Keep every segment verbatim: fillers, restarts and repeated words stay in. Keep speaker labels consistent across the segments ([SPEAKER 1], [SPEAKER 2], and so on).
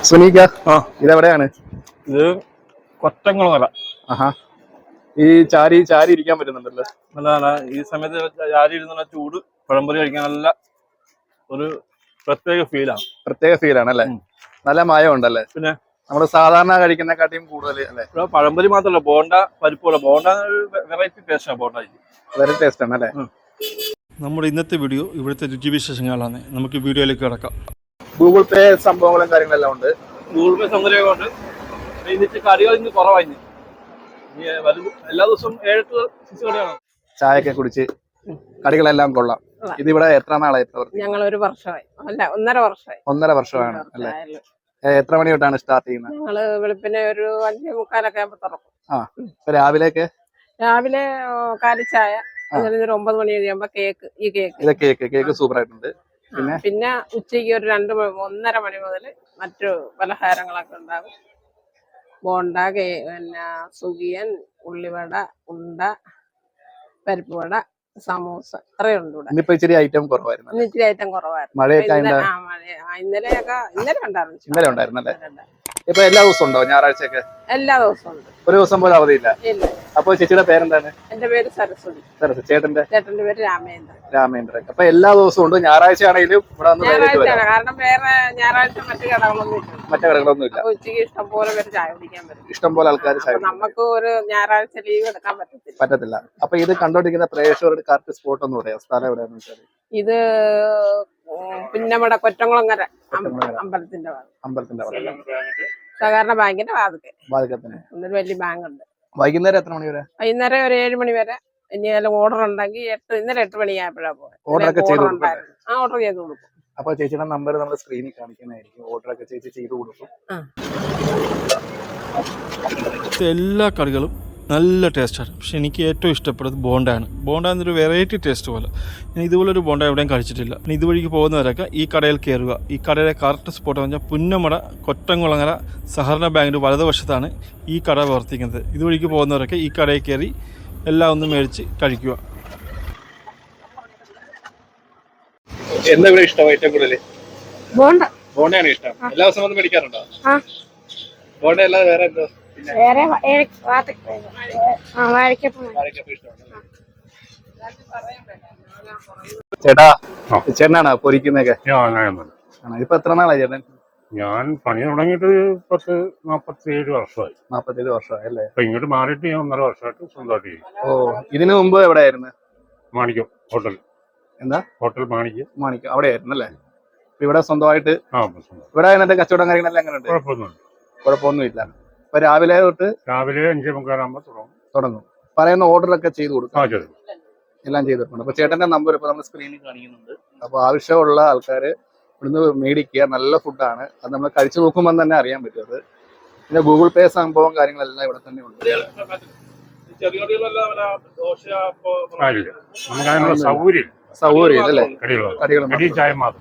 [SPEAKER 1] സുനീക ഇതെവിടെയാണ്?
[SPEAKER 2] ഇത് കൊറ്റംകുളങ്ങര.
[SPEAKER 1] ആഹാ, ഈ ചാരി ചാരി ഇരിക്കാൻ പറ്റുന്നുണ്ടല്ലോ.
[SPEAKER 2] നല്ല ഈ സമയത്ത് ചാരി ഇരുന്നുള്ള ചൂട് പഴംപൊരി കഴിക്കാൻ നല്ല ഒരു പ്രത്യേക ഫീലാണ്.
[SPEAKER 1] പ്രത്യേക ഫീലാണ് അല്ലേ? നല്ല മയം ഉണ്ടല്ലേ? പിന്നെ നമ്മള് സാധാരണ കഴിക്കുന്നതിനെക്കാട്ടിയും കൂടുതൽ അല്ലേ?
[SPEAKER 2] പഴംപൊരി മാത്രമല്ല, ബോണ്ട പരിപ്പുള്ള ബോണ്ട വെറൈറ്റി ടേസ്റ്റാണ്. ബോണ്ട
[SPEAKER 1] വെറൈറ്റി ടേസ്റ്റ് ആണ് അല്ലേ?
[SPEAKER 2] നമ്മുടെ ഇന്നത്തെ വീഡിയോ ഇവിടുത്തെ രുചിവിശേഷങ്ങളാണ്. നമുക്ക് വീഡിയോയിലേക്ക് കിടക്കാം.
[SPEAKER 1] ഗൂഗിൾ പേ സംഭവങ്ങളും കാര്യങ്ങളെല്ലാം ഉണ്ട്.
[SPEAKER 2] ഗൂഗിൾ പേ സൗകര്യമൊക്കെ ഉണ്ട്. ഇന്നിട്ട് കറികൾ ഇന്ന് കുറവായി. എല്ലാ ദിവസവും ഏഴെട്ട് സിക്സ് കറിയാണ്.
[SPEAKER 1] ചായയൊക്കെ കുടിച്ച് കടികളെല്ലാം കൊള്ളാം. ഇതിവിടെ എത്ര നാളായി?
[SPEAKER 3] ഞങ്ങൾ ഒരു വർഷമായി, അല്ല ഒന്നര വർഷമായി.
[SPEAKER 1] ഒന്നര വർഷമാണ് അല്ലേ? എത്ര മണി തൊട്ടാണ് സ്റ്റാർട്ട് ചെയ്യുന്നത്?
[SPEAKER 3] ഞങ്ങള് വെളുപ്പിനെ ഒരു അഞ്ചേ മുക്കാലൊക്കെ ആകുമ്പോ തുറക്കും.
[SPEAKER 1] ആ, രാവിലേക്ക്
[SPEAKER 3] രാവിലെ കാലിച്ചായ, ഒരു ഒമ്പത് മണി കഴിയുമ്പോ കേക്ക്. ഈ കേക്ക്
[SPEAKER 1] ഇത് കേക്ക് കേക്ക് സൂപ്പർ ആയിട്ടുണ്ട്. പിന്നെ
[SPEAKER 3] പിന്നെ ഉച്ചയ്ക്ക് ഒരു രണ്ട് ഒന്നര മണി മുതൽ മറ്റു പലഹാരങ്ങളൊക്കെ ഉണ്ടാകും. ബോണ്ട, പിന്നെ സുഖിയൻ, ഉള്ളിവട, ഉണ്ട, പരിപ്പ് വട, സമൂസ, ഇത്രയുണ്ട് ഇവിടെ.
[SPEAKER 1] ഇന്നിപ്പോ ഇച്ചിരി ഐറ്റം കുറവായിരുന്നു.
[SPEAKER 3] ഇന്ന് ഇച്ചിരി ഐറ്റം കുറവായിരുന്നു.
[SPEAKER 1] മഴയൊക്കെ
[SPEAKER 3] ഇന്നലെയൊക്കെ ഇന്നലെ ഉണ്ടായിരുന്നു.
[SPEAKER 1] ഇന്നലെ ഉണ്ടായിരുന്നല്ലേ? ഇപ്പൊ എല്ലാ ദിവസവും ഉണ്ടോ? ഞായറാഴ്ചയൊക്കെ
[SPEAKER 3] എല്ലാ ദിവസവും ഉണ്ട്.
[SPEAKER 1] ഒരു ദിവസം പോലും അവധിയില്ല.
[SPEAKER 3] ഇല്ല.
[SPEAKER 1] അപ്പൊ ചേച്ചിയുടെ പേരെന്താണ്?
[SPEAKER 3] എന്റെ പേര് സരസ്വതി.
[SPEAKER 1] സരസ്വതി. ചേട്ടന്റെ?
[SPEAKER 3] ചേട്ടന്റെ പേര് രാമേന്ദ്രൻ.
[SPEAKER 1] രാമേന്ദ്രൻ. അപ്പൊ എല്ലാ ദിവസവും ഉണ്ട്. ഞായറാഴ്ച ആണെങ്കിലും ഇവിടെ വന്ന്
[SPEAKER 3] കാരണം വേറെ ഞായറാഴ്ച മറ്റു കടകളൊന്നും ഇല്ല.
[SPEAKER 1] മറ്റു കടകളൊന്നും ഇല്ല.
[SPEAKER 3] ഉച്ചയ്ക്ക് ഇഷ്ടംപോലെ പേര് ചായ കുടിക്കാൻ പറ്റും.
[SPEAKER 1] ഇഷ്ടംപോലെ ആൾക്കാർ ചായ.
[SPEAKER 3] നമുക്ക് ഒരു ഞായറാഴ്ച ലീവ് എടുക്കാൻ പറ്റത്തില്ല.
[SPEAKER 1] പറ്റത്തില്ല. അപ്പൊ ഇത് കണ്ടോണ്ടിരിക്കുന്ന പ്രേക്ഷകരുടെ കറക്റ്റ് സ്പോട്ട് എന്ന് പറയാം. സ്ഥലം എവിടെയാണെന്ന് വെച്ചാൽ
[SPEAKER 3] ഇത് പിന്നമ്മടെ കൊറ്റംകുളങ്ങര അമ്പലത്തിന്റെ
[SPEAKER 1] അമ്പലത്തിന്റെ
[SPEAKER 3] സഹകരണ ബാങ്കിന്റെ വാതിക്കെ
[SPEAKER 1] വാതിക്കത്തിന്
[SPEAKER 3] ഒന്നൊരു വലിയ ബാങ്ക് ഉണ്ട്.
[SPEAKER 1] വൈകുന്നേരം എത്ര മണി വരെ?
[SPEAKER 3] വൈകുന്നേരം ഒരു ഏഴ് മണി വരെ. ഇനി ഏതെങ്കിലും ഓർഡർ ഉണ്ടെങ്കിൽ എട്ട് ഇന്നലെ എട്ട് മണിയായപ്പോഴാ പോയത്.
[SPEAKER 1] ഓർഡർ ഒക്കെ ചെയ്ത്
[SPEAKER 3] ആ ഓർഡർ ചെയ്ത് കൊടുക്കും.
[SPEAKER 1] അപ്പൊ ചേച്ചിയുടെ നമ്പർ നമ്മൾ സ്ക്രീനിൽ കാണിക്കുന്നതായിരിക്കും. ഓർഡർ ഒക്കെ ചേച്ചി ചെയ്ത് കൊടുക്കും.
[SPEAKER 2] എല്ലാ കറികളും നല്ല ടേസ്റ്റാണ്. പക്ഷെ എനിക്ക് ഏറ്റവും ഇഷ്ടപ്പെടുന്നത് ബോണ്ടയാണ്. ബോണ്ട എന്നൊരു വെറൈറ്റി ടേസ്റ്റ് പോലെ. ഞാൻ ഇതുപോലൊരു ബോണ്ട എവിടെയും കഴിച്ചിട്ടില്ല. ഇനി ഇതുവഴിക്ക് പോകുന്നവരൊക്കെ ഈ കടയിൽ കയറുക. ഈ കടയിലെ കറക്റ്റ് സ്പോട്ട് പറഞ്ഞാൽ പുന്നമട കൊറ്റംകുളങ്ങര സഹകരണ ബാങ്കിൻ്റെ വലതുവശത്താണ് ഈ കട പ്രവർത്തിക്കുന്നത്. ഇതുവഴിക്ക് പോകുന്നവരൊക്കെ ഈ കടയിൽ കയറി എല്ലാം ഒന്ന് മേടിച്ച് കഴിക്കുക.
[SPEAKER 1] എന്താ ഇവിടെ ഇഷ്ടം ഏറ്റവും കൂടുതൽ?
[SPEAKER 3] ബോണ്ട.
[SPEAKER 1] ബോണ്ടയാണ് ഇഷ്ടം. എല്ലാ ദിവസവും വന്ന് മേടിക്കാറുണ്ടോ? ബോണ്ട അല്ലാതെ വേറെ എന്തോ?
[SPEAKER 3] വേറെ
[SPEAKER 1] ചേട്ടാ, ചേട്ടനാണോ പൊരിക്കുന്നൊക്കെ? ഇപ്പൊ എത്ര നാളായി ചേട്ടൻ?
[SPEAKER 4] ഞാൻ പണി തുടങ്ങിയിട്ട് പത്ത് നാപ്പത്തിയേഴ് വർഷമായി.
[SPEAKER 1] നാപ്പത്തിയേഴ് വർഷമായി അല്ലേ?
[SPEAKER 4] അപ്പൊ ഇങ്ങോട്ട് മാറിയിട്ട് ഞാൻ ഒന്നര വർഷമായിട്ട് സ്വന്തമായിട്ട് ചെയ്യും.
[SPEAKER 1] ഓ, ഇതിനു മുമ്പ് എവിടെയായിരുന്നു?
[SPEAKER 4] മാണിക്യം ഹോട്ടൽ.
[SPEAKER 1] എന്താ?
[SPEAKER 4] ഹോട്ടൽ മാണിക്യം.
[SPEAKER 1] മാണിക്യം അവിടെ ആയിരുന്നു അല്ലേ? ഇവിടെ സ്വന്തമായിട്ട്
[SPEAKER 4] ആ
[SPEAKER 1] ഇവിടെ എന്നിട്ട് കച്ചവടം കാര്യങ്ങളെല്ലാം എങ്ങനെയുണ്ട്?
[SPEAKER 4] കുഴപ്പമൊന്നുമില്ല.
[SPEAKER 1] കുഴപ്പമൊന്നുമില്ല. ഇപ്പൊ രാവിലെ തൊട്ട്
[SPEAKER 4] രാവിലെ അഞ്ചേ മുക്കാലാകുമ്പോ തുടങ്ങും
[SPEAKER 1] തുടങ്ങും പറയുന്ന ഓർഡറൊക്കെ ചെയ്ത് കൊടുക്കും.
[SPEAKER 4] ആ ചെയ്തു
[SPEAKER 1] എല്ലാം ചെയ്തിട്ടുണ്ട്. അപ്പൊ ചേട്ടന്റെ നമ്പർ ഇപ്പൊ നമ്മൾ സ്ക്രീനിൽ കാണിക്കുന്നുണ്ട്. അപ്പൊ ആവശ്യമുള്ള ആൾക്കാര് ഇവിടുന്ന് മേടിക്കുക. നല്ല ഫുഡാണ്. അത് നമ്മൾ കഴിച്ചു നോക്കുമ്പോൾ തന്നെ അറിയാൻ പറ്റും. അത് പിന്നെ ഗൂഗിൾ പേ സംഭവം കാര്യങ്ങളെല്ലാം ഇവിടെ തന്നെ ഉണ്ട്.
[SPEAKER 4] നമുക്ക് സൗകര്യം
[SPEAKER 1] സൗകര്യം അല്ലേ?
[SPEAKER 4] ചായ മാത്രം.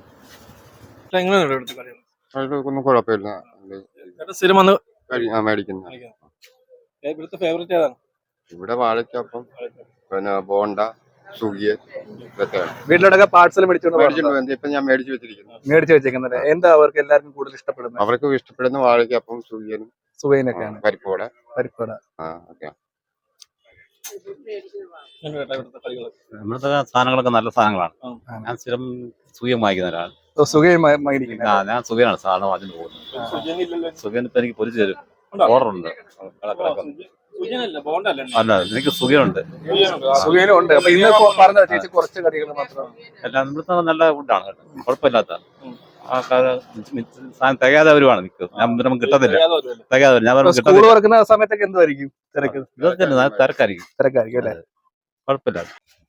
[SPEAKER 5] ഒന്നും കുഴപ്പമില്ല.
[SPEAKER 2] സ്ഥിരം വന്ന്
[SPEAKER 5] മേടിക്കുന്നത്
[SPEAKER 2] ഇവിടുത്തെ ഫേവറേറ്റ് ഏതാണ്?
[SPEAKER 5] ഇവിടെ വാഴക്കപ്പം, പിന്നെ ബോണ്ട, സുഖിയൻ ഇതൊക്കെയാണ്.
[SPEAKER 1] വീട്ടിലൊക്കെ പാർസൽ മേടിച്ചോണ്ട്
[SPEAKER 5] ഇപ്പൊ ഞാൻ മേടിച്ചു വെച്ചിരിക്കുന്നു.
[SPEAKER 1] മേടിച്ചു വെച്ചേക്കുന്നത് എന്താ അവർക്ക് എല്ലാവർക്കും കൂടുതൽ ഇഷ്ടപ്പെടുന്നത്?
[SPEAKER 5] അവർക്ക് ഇഷ്ടപ്പെടുന്ന വാഴക്കപ്പം, സുഖിയനും
[SPEAKER 1] സുഖിയനൊക്കെയാണ്.
[SPEAKER 5] പരിപ്പോട
[SPEAKER 1] പരിപ്പോട
[SPEAKER 5] ആ ഓക്കെ.
[SPEAKER 6] ഇവിടുത്തെ സാധനങ്ങളൊക്കെ നല്ല സാധനങ്ങളാണ്. ഞാൻ സ്ഥിരം സുഖം വാങ്ങിക്കുന്ന ഒരാൾ.
[SPEAKER 1] സുഖം
[SPEAKER 6] ഞാൻ സുഖയാണ് സാധനം വാങ്ങിച്ചു പോകുന്നത്. സുഖം ഇപ്പൊ എനിക്ക് പൊരിച്ചു തരും. ഓർഡർ ഉണ്ട്. അല്ല, എനിക്ക് സുഖമുണ്ട്.
[SPEAKER 1] സുഖമുണ്ട്. കുറച്ച് കടികൾ മാത്രം.
[SPEAKER 6] എല്ലാം ഇവിടുത്തെ നല്ല ഫുഡാണ്. കുഴപ്പമില്ലാത്ത സാധനം തികയാതെ വരുവാണ്. നമുക്ക് കിട്ടത്തില്ല. തികയാതെ ഞാൻ
[SPEAKER 1] കിട്ടുന്ന സമയത്തൊക്കെ എന്തായിരിക്കും തിരക്ക്?
[SPEAKER 6] ഇതൊക്കെ തിരക്കായിരിക്കും.
[SPEAKER 1] തിരക്കായിരിക്കും അല്ലേ?
[SPEAKER 6] കുഴപ്പമില്ല.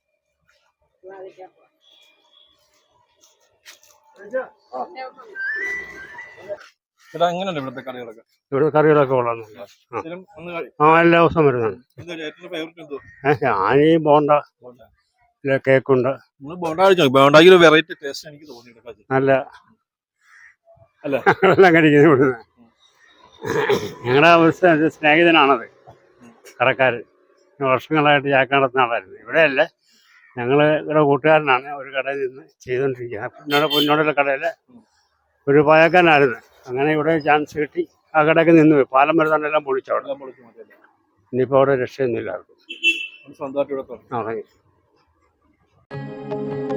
[SPEAKER 2] ഇവിടുത്തെ കറികളൊക്കെ
[SPEAKER 4] ഇവിടെ കറികളൊക്കെ കൊള്ളാം. ആ എല്ലാ ദിവസവും വരുന്നതാണ്. ഞാൻ ഈ ബോണ്ട കേക്കുണ്ട്.
[SPEAKER 2] ബോണ്ടയ്ക്ക് ഒരു വെറൈറ്റി ടേസ്റ്റ് എനിക്ക് തോന്നി.
[SPEAKER 4] നല്ല എല്ലാം കഴിക്കുന്നത് ഇവിടുന്ന്. ഞങ്ങളുടെ ഒരു സ്നേഹിതനാണത് കടക്കാരൻ. വർഷങ്ങളായിട്ട് ചാക്ക നടത്തുന്ന ആളായിരുന്നു. ഇവിടെയല്ല, ഞങ്ങൾ ഇവിടെ കൂട്ടുകാരനാണ്. ഒരു കടയിൽ നിന്ന് ചെയ്തുകൊണ്ടിരിക്കുക. പിന്നോട് പിന്നോടുള്ള കടയിൽ ഒരു പായക്കാനായിരുന്നു. അങ്ങനെ ഇവിടെ ചാൻസ് കിട്ടി ആ കടയൊക്കെ നിന്ന് പോയി. പാലം വരെ തന്നെ എല്ലാം പൊളിച്ചു അവിടെ.
[SPEAKER 1] എല്ലാം പൊളിച്ച് മാറ്റിയല്ലേ?
[SPEAKER 4] ഇനിയിപ്പോൾ അവിടെ രക്ഷയൊന്നുമില്ല ആർക്കും.
[SPEAKER 1] സ്വന്തമായിട്ട് ഇവിടെ തുടങ്ങി.
[SPEAKER 4] ആ, തുടങ്ങി.